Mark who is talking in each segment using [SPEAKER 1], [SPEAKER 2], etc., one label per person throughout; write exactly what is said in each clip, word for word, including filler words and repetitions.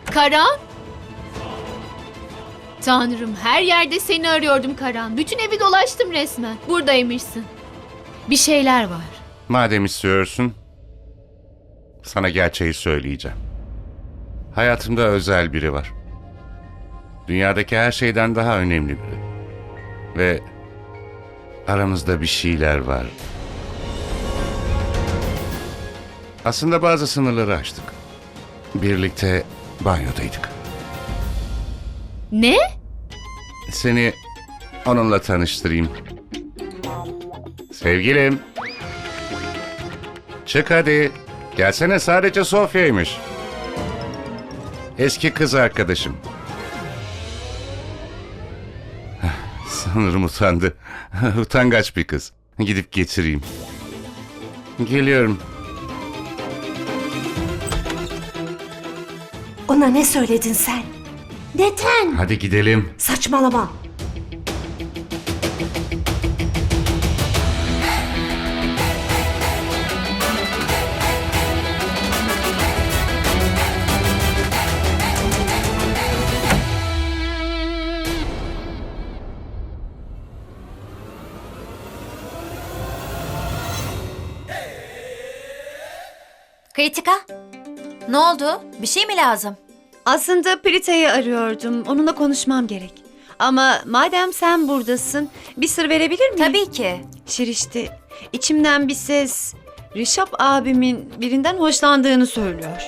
[SPEAKER 1] Karan? Tanrım, her yerde seni arıyordum Karan. Bütün evi dolaştım resmen. Buradaymışsın. Bir şeyler var.
[SPEAKER 2] Madem istiyorsun, sana gerçeği söyleyeceğim. Hayatımda özel biri var. Dünyadaki her şeyden daha önemli biri. Ve aramızda bir şeyler var. Aslında bazı sınırları aştık. Birlikte banyodaydık.
[SPEAKER 1] Ne?
[SPEAKER 2] Seni onunla tanıştırayım. Sevgilim. Çık hadi. Gelsene, sadece Sofya'ymış. Eski kız arkadaşım. Sanırım utandı. Utangaç bir kız. Gidip getireyim. Geliyorum.
[SPEAKER 3] Ona ne söyledin sen? Neden?
[SPEAKER 2] Hadi gidelim.
[SPEAKER 3] Saçmalama.
[SPEAKER 4] Kritika, ne oldu? Bir şey mi lazım?
[SPEAKER 5] Aslında Prita'yı arıyordum. Onunla konuşmam gerek. Ama madem sen buradasın, bir sır verebilir miyim?
[SPEAKER 4] Tabii ki.
[SPEAKER 5] Şirişti. İçimden bir ses, Rişap abimin birinden hoşlandığını söylüyor.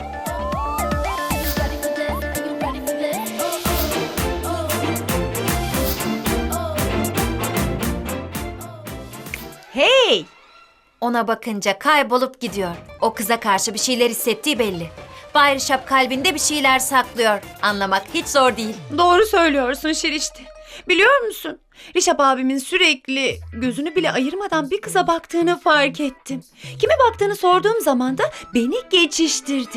[SPEAKER 5] Hey!
[SPEAKER 4] Ona bakınca kaybolup gidiyor. O kıza karşı bir şeyler hissettiği belli. Bay Rişap kalbinde bir şeyler saklıyor. Anlamak hiç zor değil.
[SPEAKER 5] Doğru söylüyorsun Şirişti. Biliyor musun? Rişap abimin sürekli gözünü bile ayırmadan bir kıza baktığını fark ettim. Kime baktığını sorduğum zaman da beni geçiştirdi.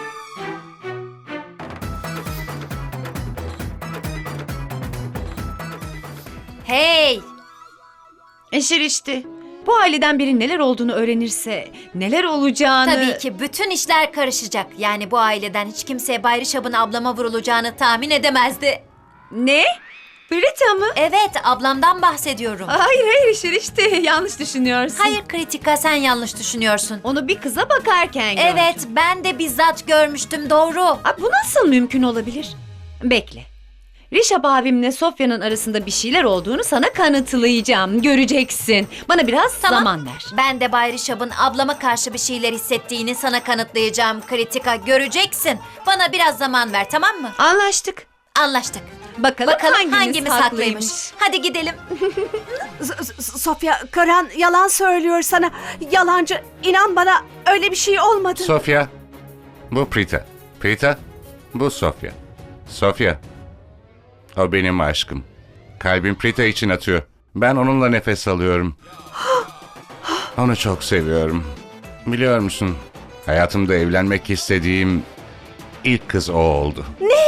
[SPEAKER 4] Hey!
[SPEAKER 5] E Şirişti. Bu aileden biri neler olduğunu öğrenirse neler olacağını...
[SPEAKER 4] Tabii ki bütün işler karışacak. Yani bu aileden hiç kimse Bay Rişap'ın ablama vurulacağını tahmin edemezdi.
[SPEAKER 5] Ne? Prita mı?
[SPEAKER 4] Evet, ablamdan bahsediyorum.
[SPEAKER 5] Hayır hayır Şirişti. Yanlış düşünüyorsun.
[SPEAKER 4] Hayır Kritika, sen yanlış düşünüyorsun.
[SPEAKER 5] Onu bir kıza bakarken gördüm.
[SPEAKER 4] Evet, ben de bizzat görmüştüm, doğru.
[SPEAKER 5] Aa, bu nasıl mümkün olabilir? Bekle. Rişap abimle Sofya'nın arasında bir şeyler olduğunu sana kanıtlayacağım. Göreceksin. Bana biraz
[SPEAKER 4] Tamam.
[SPEAKER 5] zaman ver.
[SPEAKER 4] Ben de Bay Rişap'ın ablama karşı bir şeyler hissettiğini sana kanıtlayacağım Kritika. Göreceksin. Bana biraz zaman ver, tamam mı?
[SPEAKER 5] Anlaştık.
[SPEAKER 4] Anlaştık.
[SPEAKER 5] Bakalım,
[SPEAKER 4] Bakalım
[SPEAKER 5] hangimiz,
[SPEAKER 4] hangimiz haklıymış. Hadi gidelim.
[SPEAKER 3] S- S- Sofya, Karan yalan söylüyor sana. Yalancı. İnan bana, öyle bir şey olmadı.
[SPEAKER 2] Sofya. Bu Prita. Prita. Bu Sofya. Sofya. O benim aşkım. Kalbim Prita için atıyor. Ben onunla nefes alıyorum. Onu çok seviyorum. Biliyor musun? Hayatımda evlenmek istediğim ilk kız o oldu.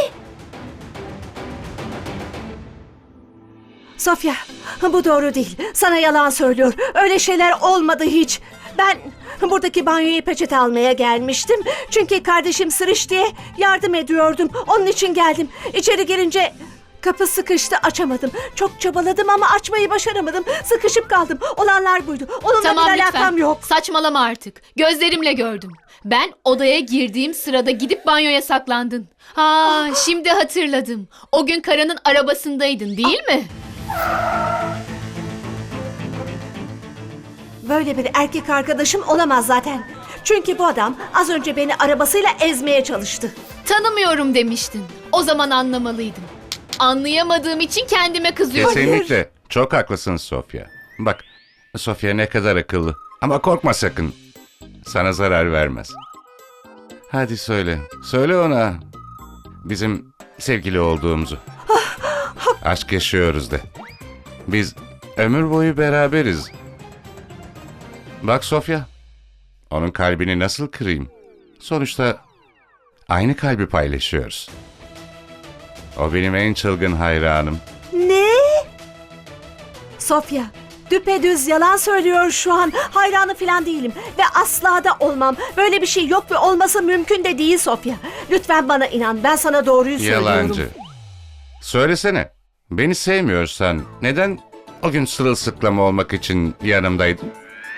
[SPEAKER 3] Sofya, bu doğru değil. Sana yalan söylüyor. Öyle şeyler olmadı hiç. Ben buradaki banyoya peçete almaya gelmiştim. Çünkü kardeşim Sırış diye yardım ediyordum. Onun için geldim. İçeri girince kapı sıkıştı, açamadım. Çok çabaladım ama açmayı başaramadım. Sıkışıp kaldım. Olanlar buydu. Onunla
[SPEAKER 1] Tamam
[SPEAKER 3] bir
[SPEAKER 1] lütfen.
[SPEAKER 3] alakam yok.
[SPEAKER 1] Saçmalama artık. Gözlerimle gördüm. Ben odaya girdiğim sırada gidip banyoya saklandın. Ha, şimdi hatırladım. O gün Karan'ın arabasındaydın, değil mi?
[SPEAKER 3] Böyle bir erkek arkadaşım olamaz zaten. Çünkü bu adam az önce beni arabasıyla ezmeye çalıştı.
[SPEAKER 1] Tanımıyorum demiştin. O zaman anlamalıydım. Anlayamadığım için kendime kızıyorum.
[SPEAKER 2] Kesinlikle. Çok haklısın Sofya. Bak, Sofya ne kadar akıllı. Ama korkma sakın. Sana zarar vermez. Hadi söyle. Söyle ona. Bizim sevgili olduğumuzu. Aşk yaşıyoruz de. Biz ömür boyu beraberiz. Bak Sofya. Onun kalbini nasıl kırayım? Sonuçta aynı kalbi paylaşıyoruz. O benim en çılgın hayranım.
[SPEAKER 3] Ne? Sofya, düpedüz yalan söylüyor şu an. Hayranı falan değilim ve asla da olmam. Böyle bir şey yok ve olması mümkün de değil Sofya. Lütfen bana inan, ben sana doğruyu söylüyorum.
[SPEAKER 2] Yalancı. Söylesene. Beni sevmiyorsan neden o gün sırılsıklam olmak için yanımdaydın?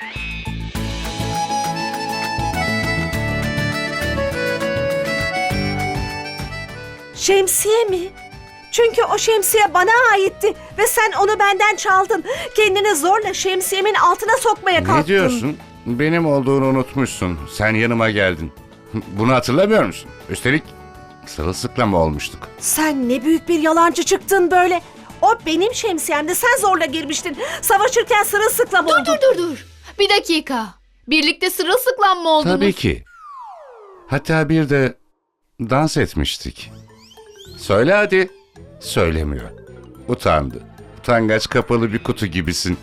[SPEAKER 3] Şemsiye mi? Çünkü o şemsiye bana aitti ve sen onu benden çaldın. Kendini zorla şemsiyemin altına sokmaya kalktın.
[SPEAKER 2] Ne diyorsun? Benim olduğunu unutmuşsun. Sen yanıma geldin. Bunu hatırlamıyor musun? Üstelik sırılsıklam olmuştuk.
[SPEAKER 3] Sen ne büyük bir yalancı çıktın böyle. O benim şemsiyemdi. Sen zorla girmiştin. Savaşırken sırılsıklam oldun.
[SPEAKER 1] Dur dur dur. Bir dakika. Birlikte sırılsıklam mı oldunuz?
[SPEAKER 2] Tabii ki. Hatta bir de dans etmiştik. Söyle hadi. Söylemiyor. Utandı. Utangaç kapalı bir kutu gibisin.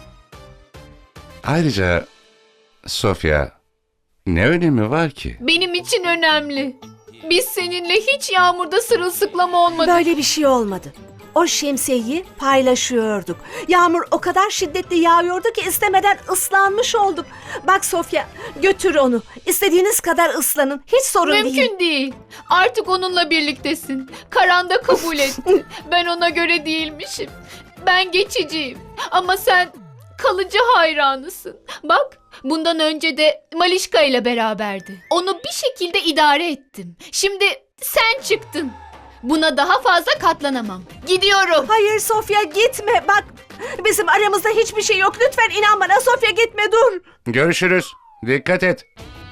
[SPEAKER 2] Ayrıca Sofya, ne önemi var ki?
[SPEAKER 1] Benim için önemli. Biz seninle hiç yağmurda sırılsıklam olmadık.
[SPEAKER 3] Böyle bir şey olmadı. O şemsiyeyi paylaşıyorduk. Yağmur o kadar şiddetli yağıyordu ki istemeden ıslanmış olduk. Bak Sofya, götür onu. İstediğiniz kadar ıslanın. Hiç sorun değil.
[SPEAKER 1] Mümkün değil. Artık onunla birliktesin. Karan da kabul etti. Ben ona göre değilmişim. Ben geçiciyim. Ama sen kalıcı hayranısın. Bak, bundan önce de Malişka ile beraberdi. Onu bir şekilde idare ettim. Şimdi sen çıktın. Buna daha fazla katlanamam. Gidiyorum.
[SPEAKER 3] Hayır Sofya, gitme. Bak, bizim aramızda hiçbir şey yok. Lütfen inan bana Sofya, gitme, dur.
[SPEAKER 2] Görüşürüz. Dikkat et.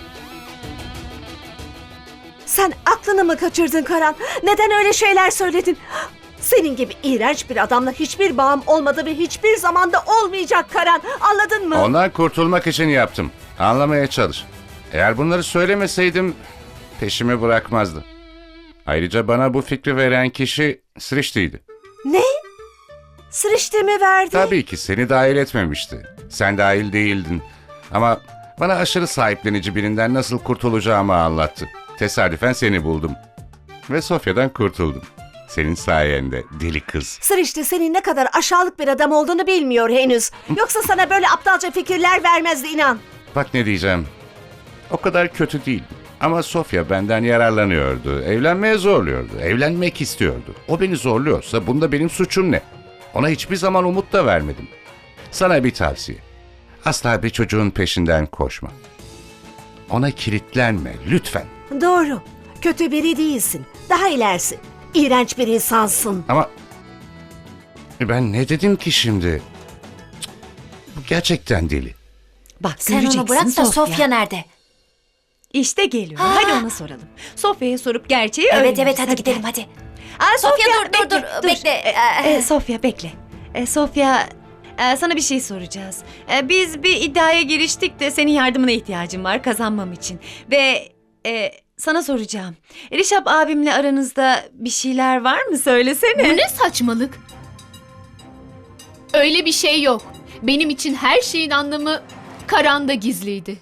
[SPEAKER 3] Sen aklını mı kaçırdın Karan? Neden öyle şeyler söyledin? Senin gibi iğrenç bir adamla hiçbir bağım olmadı ve hiçbir zamanda olmayacak Karan. Anladın mı?
[SPEAKER 2] Ondan kurtulmak için yaptım. Anlamaya çalış. Eğer bunları söylemeseydim peşimi bırakmazdı. Ayrıca bana bu fikri veren kişi Srishti'ydi.
[SPEAKER 3] Ne? Sırıştı mı verdi?
[SPEAKER 2] Tabii ki seni dahil etmemişti. Sen dahil değildin. Ama bana aşırı sahiplenici birinden nasıl kurtulacağımı anlattı. Tesadüfen seni buldum. Ve Sofya'dan kurtuldum. Senin sayende deli kız.
[SPEAKER 3] Sırıştı senin ne kadar aşağılık bir adam olduğunu bilmiyor henüz. Yoksa sana böyle aptalca fikirler vermezdi, inan.
[SPEAKER 2] Bak ne diyeceğim. O kadar kötü değil. Ama Sofya benden yararlanıyordu. Evlenmeye zorluyordu. Evlenmek istiyordu. O beni zorluyorsa bunda benim suçum ne? Ona hiçbir zaman umut da vermedim. Sana bir tavsiye. Asla bir çocuğun peşinden koşma. Ona kilitlenme lütfen.
[SPEAKER 3] Doğru. Kötü biri değilsin. Daha ilerisi. İğrenç bir insansın.
[SPEAKER 2] Ama ben ne dedim ki şimdi? Cık, bu gerçekten deli.
[SPEAKER 5] Bak
[SPEAKER 4] Sen
[SPEAKER 5] göreceksin
[SPEAKER 4] onu bırak da
[SPEAKER 5] Sofya.
[SPEAKER 4] Sofya nerede?
[SPEAKER 5] İşte geliyor.
[SPEAKER 4] Ha.
[SPEAKER 5] Hadi ona soralım. Sofya'ya sorup gerçeği
[SPEAKER 4] Evet
[SPEAKER 5] öğreniriz.
[SPEAKER 4] evet hadi gidelim
[SPEAKER 5] gel.
[SPEAKER 4] hadi.
[SPEAKER 5] Aa,
[SPEAKER 4] Sofya,
[SPEAKER 5] Sofya,
[SPEAKER 4] dur, dur,
[SPEAKER 5] bekle,
[SPEAKER 4] dur, bekle.
[SPEAKER 5] E, e, Sofya bekle. E, Sofya e, sana bir şey soracağız. E, biz bir iddiaya giriştik de senin yardımına ihtiyacım var kazanmam için. Ve e, sana soracağım. Rişap abimle aranızda bir şeyler var mı? Söylesene.
[SPEAKER 1] Bu ne saçmalık? Öyle bir şey yok. Benim için her şeyin anlamı Karan'da gizliydi.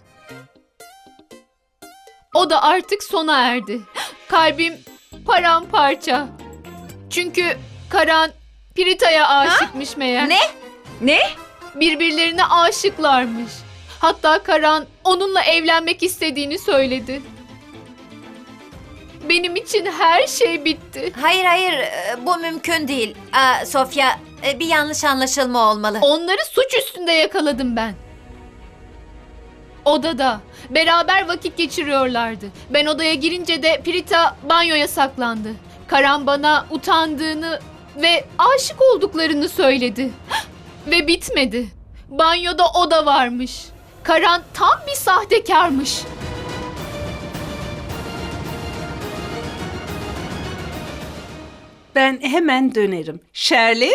[SPEAKER 1] O da artık sona erdi. Kalbim paramparça. Çünkü Karan Pirita'ya aşıkmış meğer.
[SPEAKER 4] Ne?
[SPEAKER 5] Ne?
[SPEAKER 1] Birbirlerine aşıklarmış. Hatta Karan onunla evlenmek istediğini söyledi. Benim için her şey bitti.
[SPEAKER 4] Hayır hayır e, bu mümkün değil. Aa, Sofya e, bir yanlış anlaşılma olmalı.
[SPEAKER 1] Onları suç üstünde yakaladım ben. Odada. Beraber vakit geçiriyorlardı. Ben odaya girince de Prita banyoya saklandı. Karan bana utandığını ve aşık olduklarını söyledi. Ve bitmedi. Banyoda o da varmış. Karan tam bir sahtekarmış.
[SPEAKER 6] Ben hemen dönerim. Şerlin?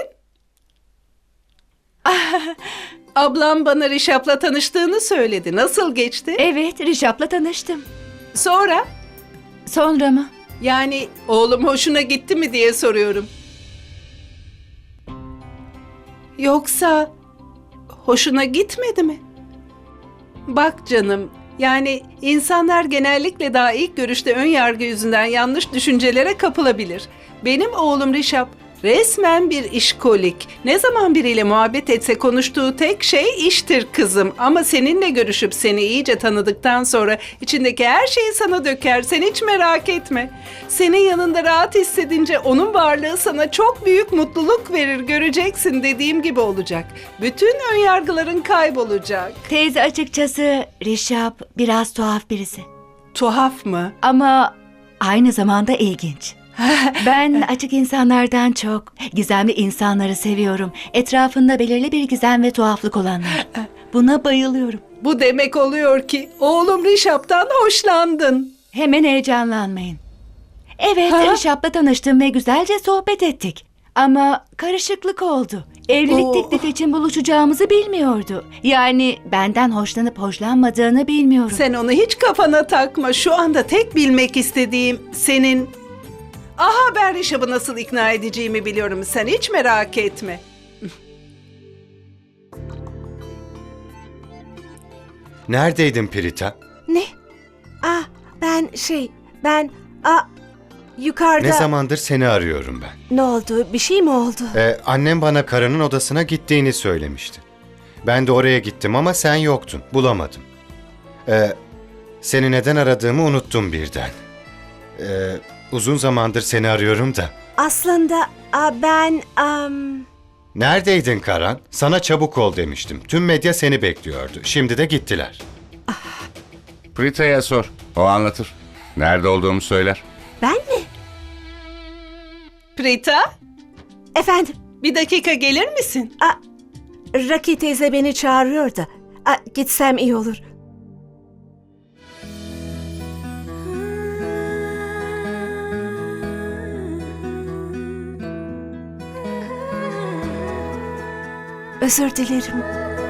[SPEAKER 6] Ablam bana Rişap'la tanıştığını söyledi. Nasıl geçti?
[SPEAKER 7] Evet, Rişap'la tanıştım.
[SPEAKER 6] Sonra?
[SPEAKER 7] Sonra mı?
[SPEAKER 6] Yani oğlum hoşuna gitti mi diye soruyorum. Yoksa hoşuna gitmedi mi? Bak canım, yani insanlar genellikle daha ilk görüşte ön yargı yüzünden yanlış düşüncelere kapılabilir. Benim oğlum Rişap Resmen bir işkolik. Ne zaman biriyle muhabbet etse konuştuğu tek şey iştir kızım. Ama seninle görüşüp seni iyice tanıdıktan sonra içindeki her şeyi sana döker. Sen hiç merak etme. Senin yanında rahat hissedince onun varlığı sana çok büyük mutluluk verir. Göreceksin, dediğim gibi olacak. Bütün önyargıların kaybolacak.
[SPEAKER 7] Teyze, açıkçası Rişap biraz tuhaf birisi.
[SPEAKER 6] Tuhaf mı?
[SPEAKER 7] Ama aynı zamanda ilginç. Ben açık insanlardan çok gizemli insanları seviyorum. Etrafında belirli bir gizem ve tuhaflık olanlar. Buna bayılıyorum.
[SPEAKER 6] Bu demek oluyor ki oğlum Rişap'tan hoşlandın.
[SPEAKER 7] Hemen heyecanlanmayın. Evet,
[SPEAKER 6] Ha?
[SPEAKER 7] Rişap'la tanıştım ve güzelce sohbet ettik. Ama karışıklık oldu. Evlilik
[SPEAKER 6] Oo.
[SPEAKER 7] teklifi için buluşacağımızı bilmiyordu. Yani benden hoşlanıp hoşlanmadığını bilmiyorum.
[SPEAKER 6] Sen onu hiç kafana takma. Şu anda tek bilmek istediğim senin... Aha, ben Rişap'ı nasıl ikna edeceğimi biliyorum. Sen hiç merak etme.
[SPEAKER 8] Neredeydin Prita?
[SPEAKER 3] Ne? Ah, ben şey, ben... Ah, yukarıda...
[SPEAKER 8] Ne zamandır seni arıyorum ben.
[SPEAKER 3] Ne oldu? Bir şey mi oldu?
[SPEAKER 8] Ee, annem bana karının odasına gittiğini söylemişti. Ben de oraya gittim ama sen yoktun. Bulamadım. Ee, seni neden aradığımı unuttum birden. Ee, uzun zamandır seni arıyorum da.
[SPEAKER 3] Aslında ah, ben... am,
[SPEAKER 8] Neredeydin Karan? Sana çabuk ol demiştim. Tüm medya seni bekliyordu. Şimdi de gittiler.
[SPEAKER 2] Prita'ya sor. O anlatır. Nerede olduğumu söyler.
[SPEAKER 3] ben mi?
[SPEAKER 6] Prita,
[SPEAKER 3] Efendim?
[SPEAKER 6] bir dakika gelir misin?
[SPEAKER 3] Ah, Raki teyze beni çağırıyor da. Ah, gitsem iyi olur. Özür dilerim.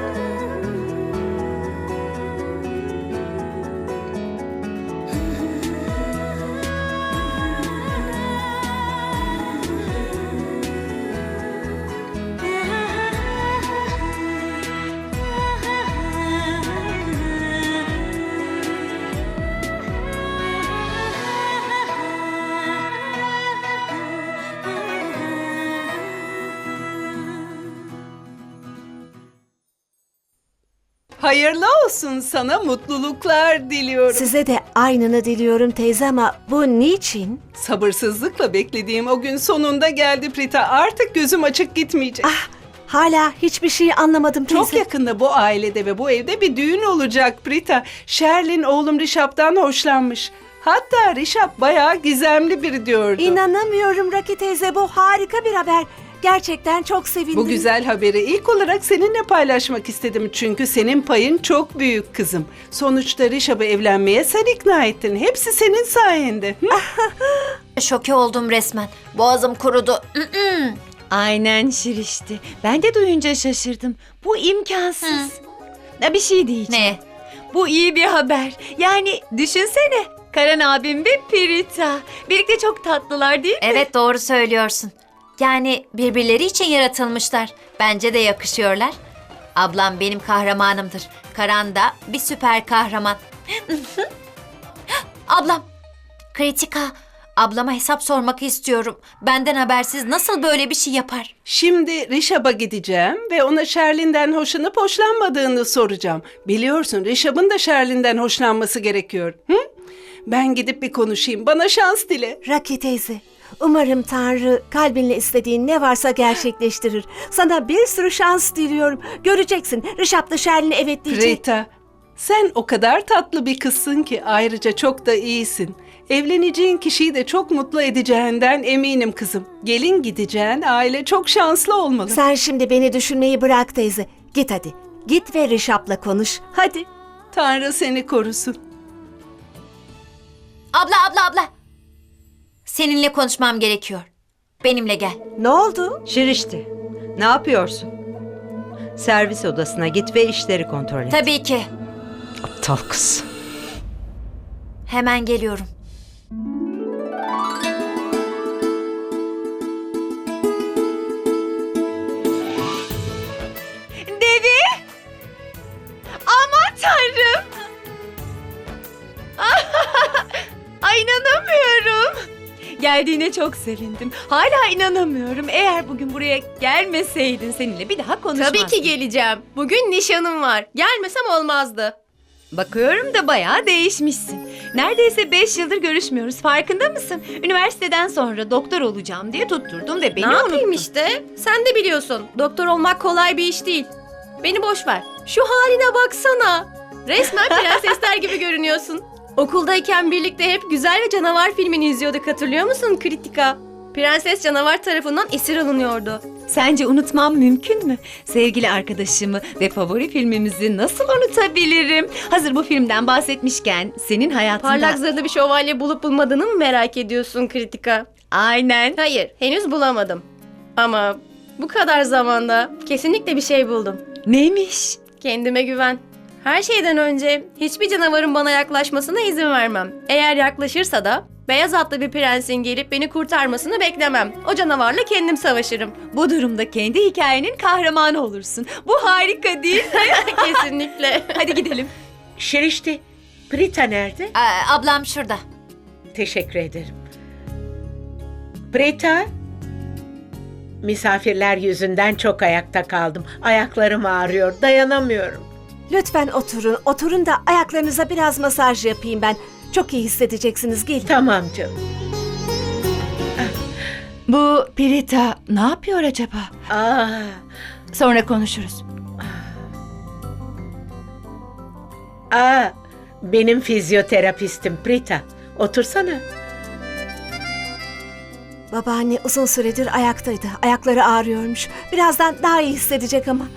[SPEAKER 6] Hayırlı olsun, sana mutluluklar diliyorum.
[SPEAKER 3] Size de aynını diliyorum teyze ama bu niçin?
[SPEAKER 6] Sabırsızlıkla beklediğim o gün sonunda geldi Prita. Artık gözüm açık gitmeyecek.
[SPEAKER 3] Ah, hala hiçbir şey anlamadım teyze.
[SPEAKER 6] Çok yakında bu ailede ve bu evde bir düğün olacak Prita. Sherlin oğlum Rişap'tan hoşlanmış. Hatta Rişap bayağı gizemli biri diyordu.
[SPEAKER 3] İnanamıyorum Raki teyze, bu harika bir haber. Gerçekten çok sevindim.
[SPEAKER 6] Bu güzel haberi ilk olarak seninle paylaşmak istedim. Çünkü senin payın çok büyük kızım. Sonuçta Rişap'ı evlenmeye sen ikna ettin. Hepsi senin sayende. Hı?
[SPEAKER 4] Şoke oldum resmen. Boğazım kurudu.
[SPEAKER 5] Aynen Şirişti. Ben de duyunca şaşırdım. Bu imkansız. Ya bir şey diyeceğim.
[SPEAKER 4] Ne?
[SPEAKER 5] Bu iyi bir haber. Yani düşünsene. Karan abim ve Prita. Birlikte çok tatlılar değil mi?
[SPEAKER 4] Evet, doğru söylüyorsun. Yani birbirleri için yaratılmışlar. Bence de yakışıyorlar. Ablam benim kahramanımdır. Karan da bir süper kahraman. Ablam. Kritika. Ablama hesap sormak istiyorum. Benden habersiz nasıl böyle bir şey yapar?
[SPEAKER 6] Şimdi Rişap'a gideceğim ve ona Sherlin'den hoşlanıp hoşlanmadığını soracağım. Biliyorsun Rişap'ın da Sherlin'den hoşlanması gerekiyor. Hı? Ben gidip bir konuşayım. Bana şans dile.
[SPEAKER 3] Raki teyze, umarım Tanrı kalbinle istediğin ne varsa gerçekleştirir. Sana bir sürü şans diliyorum. Göreceksin, Rişap da Sherlin'e evet diyecek.
[SPEAKER 6] Prita, sen o kadar tatlı bir kızsın ki ayrıca çok da iyisin. Evleneceğin kişiyi de çok mutlu edeceğinden eminim kızım. Gelin gideceğin aile çok şanslı olmalı.
[SPEAKER 3] Sen şimdi beni düşünmeyi bırak teyze. Git hadi. Git ve Rişap'la konuş. Hadi.
[SPEAKER 6] Tanrı seni korusun.
[SPEAKER 4] Abla abla abla. Seninle konuşmam gerekiyor. Benimle gel.
[SPEAKER 3] Ne oldu?
[SPEAKER 9] Şirişti, ne yapıyorsun? Servis odasına git ve işleri kontrol et.
[SPEAKER 4] Tabii ki.
[SPEAKER 9] Aptal kız.
[SPEAKER 4] Hemen geliyorum.
[SPEAKER 5] Devi! Aman tanrım! Ay inanamıyorum. Geldiğine çok sevindim. Hala inanamıyorum. Eğer bugün buraya gelmeseydin seninle bir daha konuşmazdım.
[SPEAKER 10] Tabii ki geleceğim. Bugün nişanım var. Gelmesem olmazdı.
[SPEAKER 5] Bakıyorum da bayağı değişmişsin. Neredeyse beş yıldır görüşmüyoruz. Farkında mısın? Üniversiteden sonra doktor olacağım diye tutturdum ve beni
[SPEAKER 10] ne yapayım
[SPEAKER 5] unuttun.
[SPEAKER 10] işte? Sen de biliyorsun. Doktor olmak kolay bir iş değil. Beni boş ver. Şu haline baksana. Resmen prensesler gibi görünüyorsun. Okuldayken birlikte hep Güzel ve Canavar filmini izliyorduk, hatırlıyor musun Kritika? Prenses canavar tarafından esir alınıyordu.
[SPEAKER 5] Sence unutmam mümkün mü? Sevgili arkadaşımı ve favori filmimizi nasıl unutabilirim? Hazır bu filmden bahsetmişken senin hayatında...
[SPEAKER 10] Parlak zırhlı bir şövalye bulup bulmadığını mı merak ediyorsun Kritika?
[SPEAKER 5] Aynen.
[SPEAKER 10] Hayır, henüz bulamadım. Ama bu kadar zamanda kesinlikle bir şey buldum.
[SPEAKER 5] Neymiş?
[SPEAKER 10] Kendime güven. Her şeyden önce hiçbir canavarın bana yaklaşmasına izin vermem. Eğer yaklaşırsa da beyaz atlı bir prensin gelip beni kurtarmasını beklemem. O canavarla kendim savaşırım.
[SPEAKER 5] Bu durumda kendi hikayenin kahramanı olursun. Bu harika değil mi?
[SPEAKER 10] Kesinlikle.
[SPEAKER 5] Hadi gidelim.
[SPEAKER 11] Şerişte, Prita nerede?
[SPEAKER 4] Aa, ablam şurada.
[SPEAKER 11] Teşekkür ederim. Prita, misafirler yüzünden çok ayakta kaldım. Ayaklarım ağrıyor, dayanamıyorum.
[SPEAKER 3] Lütfen oturun. Oturun da ayaklarınıza biraz masaj yapayım ben. Çok iyi hissedeceksiniz. Gelin.
[SPEAKER 11] Tamam canım.
[SPEAKER 7] Bu Prita ne yapıyor acaba?
[SPEAKER 11] Aa,
[SPEAKER 7] Sonra konuşuruz.
[SPEAKER 11] aa, benim fizyoterapistim Prita. Otursana.
[SPEAKER 3] Babaanne uzun süredir ayaktaydı. Ayakları ağrıyormuş. Birazdan daha iyi hissedecek ama.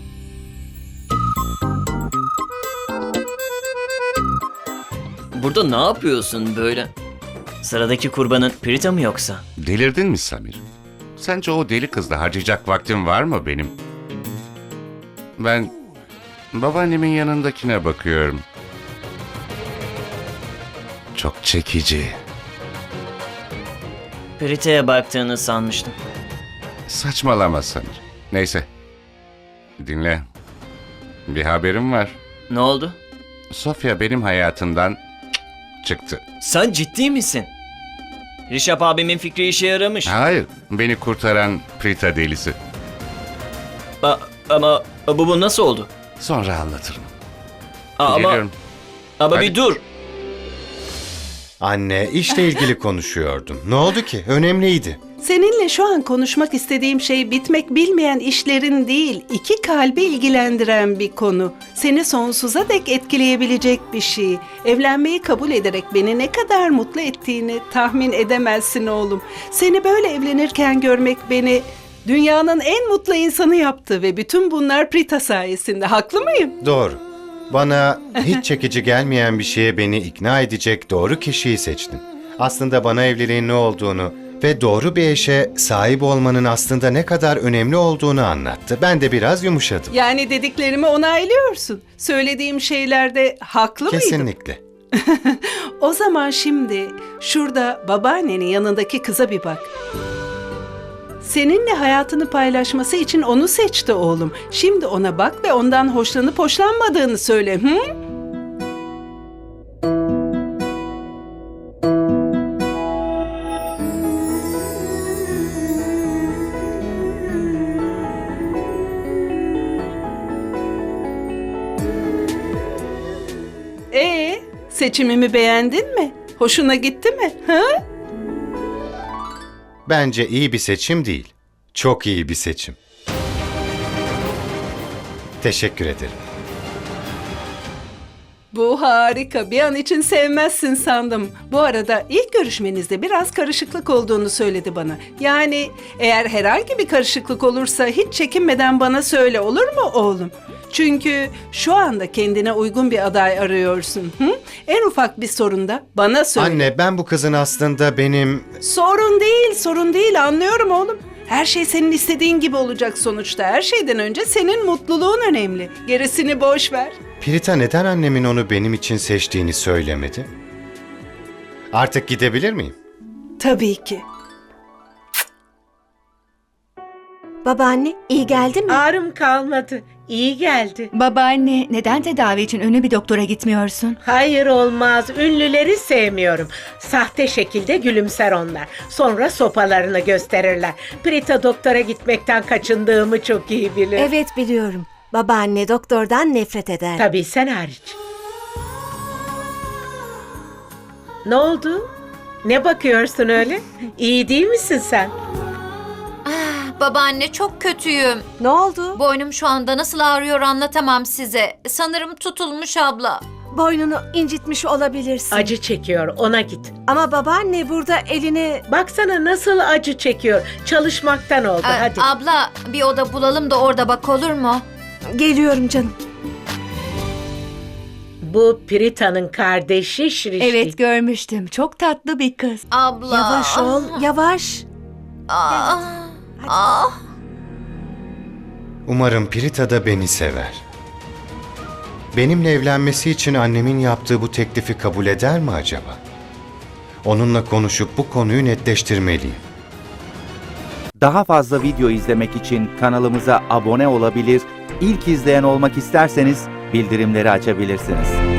[SPEAKER 12] Burada ne yapıyorsun böyle? Sıradaki kurbanın Prita mı yoksa?
[SPEAKER 2] Delirdin mi Samir? Sence o deli kızla harcayacak vaktim var mı benim? Ben babaannemin yanındakine bakıyorum. Çok çekici.
[SPEAKER 12] Prita'ya baktığını sanmıştım.
[SPEAKER 2] Saçmalama Samir. Neyse. Dinle. Bir haberim var.
[SPEAKER 12] Ne oldu?
[SPEAKER 2] Sofya benim hayatımdan çıktı.
[SPEAKER 12] Sen ciddi misin? Rişap abimin fikri işe yaramış.
[SPEAKER 2] Hayır, beni kurtaran Prita delisi.
[SPEAKER 12] A- ama bu, bu nasıl oldu?
[SPEAKER 2] Sonra anlatırım.
[SPEAKER 12] Aa, ama
[SPEAKER 2] Geliyorum.
[SPEAKER 12] ama
[SPEAKER 2] Hadi.
[SPEAKER 12] bir dur.
[SPEAKER 8] Anne, işle ilgili konuşuyordum. Ne oldu ki? Önemliydi.
[SPEAKER 6] Seninle şu an konuşmak istediğim şey bitmek bilmeyen işlerin değil, iki kalbi ilgilendiren bir konu. Seni sonsuza dek etkileyebilecek bir şey. Evlenmeyi kabul ederek beni ne kadar mutlu ettiğini tahmin edemezsin oğlum. Seni böyle evlenirken görmek beni dünyanın en mutlu insanı yaptı ve bütün bunlar Prita sayesinde. Haklı mıyım?
[SPEAKER 8] Doğru. Bana hiç çekici gelmeyen bir şeye beni ikna edecek doğru kişiyi seçtin. Aslında bana evliliğin ne olduğunu ve doğru bir eşe sahip olmanın aslında ne kadar önemli olduğunu anlattı. Ben de biraz yumuşadım.
[SPEAKER 6] Yani dediklerimi onaylıyorsun. Söylediğim şeylerde haklı mıydım?
[SPEAKER 8] Kesinlikle.
[SPEAKER 6] O zaman şimdi şurada babaannenin yanındaki kıza bir bak. Seninle hayatını paylaşması için onu seçti oğlum. Şimdi ona bak ve ondan hoşlanıp hoşlanmadığını söyle. Hı? Ee, seçimimi beğendin mi? Hoşuna gitti mi? Ha?
[SPEAKER 8] Bence iyi bir seçim değil. Çok iyi bir seçim. Teşekkür ederim.
[SPEAKER 6] Bu harika. Bir an için sevmezsin sandım. Bu arada ilk görüşmenizde biraz karışıklık olduğunu söyledi bana. Yani eğer herhangi bir karışıklık olursa hiç çekinmeden bana söyle, olur mu oğlum? Çünkü şu anda kendine uygun bir aday arıyorsun. Hı? En ufak bir sorunda bana söyle.
[SPEAKER 8] Anne, ben bu kızın aslında benim...
[SPEAKER 6] Sorun değil, sorun değil. Anlıyorum oğlum. Her şey senin istediğin gibi olacak sonuçta. Her şeyden önce senin mutluluğun önemli. Gerisini boş ver.
[SPEAKER 8] Prita neden annemin onu benim için seçtiğini söylemedi? Artık gidebilir miyim?
[SPEAKER 6] Tabii ki.
[SPEAKER 3] Babaanne iyi geldi mi?
[SPEAKER 11] Ağrım kalmadı. İyi geldi.
[SPEAKER 7] Babaanne, neden tedavi için ünlü bir doktora gitmiyorsun?
[SPEAKER 11] Hayır olmaz. Ünlüleri sevmiyorum. Sahte şekilde gülümser onlar. Sonra sopalarını gösterirler. Prita doktora gitmekten kaçındığımı çok iyi bilir.
[SPEAKER 3] Evet biliyorum. Babaanne doktordan nefret eder.
[SPEAKER 11] Tabii sen hariç. Ne oldu? Ne bakıyorsun öyle? İyi değil misin sen?
[SPEAKER 4] Babaanne çok kötüyüm.
[SPEAKER 3] Ne oldu?
[SPEAKER 4] Boynum şu anda nasıl ağrıyor anlatamam size. Sanırım tutulmuş abla.
[SPEAKER 3] Boynunu incitmiş olabilirsin.
[SPEAKER 11] Acı çekiyor, ona git.
[SPEAKER 3] Ama babaanne burada elini...
[SPEAKER 11] Baksana nasıl acı çekiyor. Çalışmaktan oldu,
[SPEAKER 4] Ee,
[SPEAKER 11] hadi.
[SPEAKER 4] Abla bir oda bulalım da orada bak olur mu?
[SPEAKER 3] Geliyorum canım.
[SPEAKER 11] Bu Prita'nın kardeşi Şirişti.
[SPEAKER 7] Evet, görmüştüm. Çok tatlı bir kız.
[SPEAKER 4] Abla.
[SPEAKER 3] Yavaş ol, yavaş.
[SPEAKER 4] Ah, ah.
[SPEAKER 8] Umarım Prita da beni sever. Benimle evlenmesi için annemin yaptığı bu teklifi kabul eder mi acaba? Onunla konuşup bu konuyu netleştirmeliyim.
[SPEAKER 13] Daha fazla video izlemek için kanalımıza abone olabilir, ilk izleyen olmak isterseniz bildirimleri açabilirsiniz.